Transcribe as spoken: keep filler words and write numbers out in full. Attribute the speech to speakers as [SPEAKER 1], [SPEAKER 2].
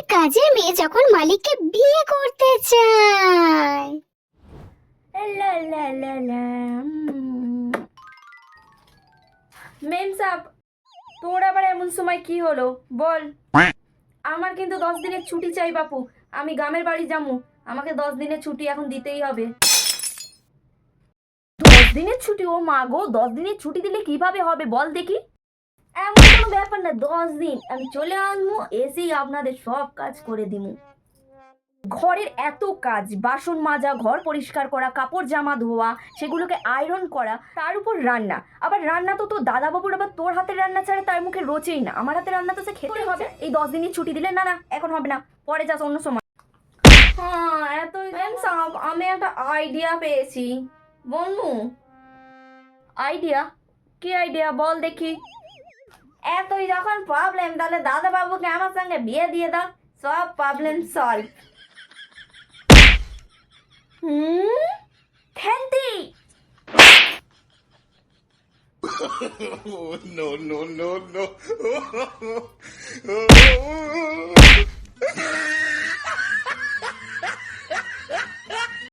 [SPEAKER 1] কাজের মেয়ে যখন মালিককে বিয়ে করতে চায়।
[SPEAKER 2] লা লা লা লা। মেম সাহেব, তোর আবার এমন সময় কি হলো বল? আমার কিন্তু দশ দিনের ছুটি চাই বাপু, আমি গ্রামের বাড়ি যাবো, আমাকে দশ দিনের ছুটি এখন দিতেই হবে। দশ দিনের ছুটি? ও মা গো, দশ দিনের ছুটি দিলে কিভাবে হবে বল দেখি? এমন কোনো ব্যাপার না, দশ দিন আমি চলে আসবো, এসেই আপনাদের সব কাজ করে দিমু। ঘরের এত কাজ, বাসন মাজা, ঘর পরিষ্কার করা, কাপড় জামা ধোয়া, সেগুলোকে আয়রন করা, তার উপর রান্না। আবার রান্না তো তোর দাদা বাবুর, আবার তোর হাতের রান্না ছাড়া তার মুখে রোচেই না। আমার হাতের রান্না তো সে খেতে হবে। এই দশ দিনই ছুটি দিলে না না এখন হবে না, পরে যাস অন্য সময়। হ্যাঁ এতই সব। আমি একটা আইডিয়া পেয়েছি বন্ধু। আইডিয়া? কি আইডিয়া বল দেখি? এতই যখন প্রবলেম, তাহলে দাদা বাবুকে আমার সঙ্গে বিয়ে দিয়ে দাও, সব প্রবলেম সলভ। হুম, খেলতি।
[SPEAKER 3] Oh, no, no, no, no.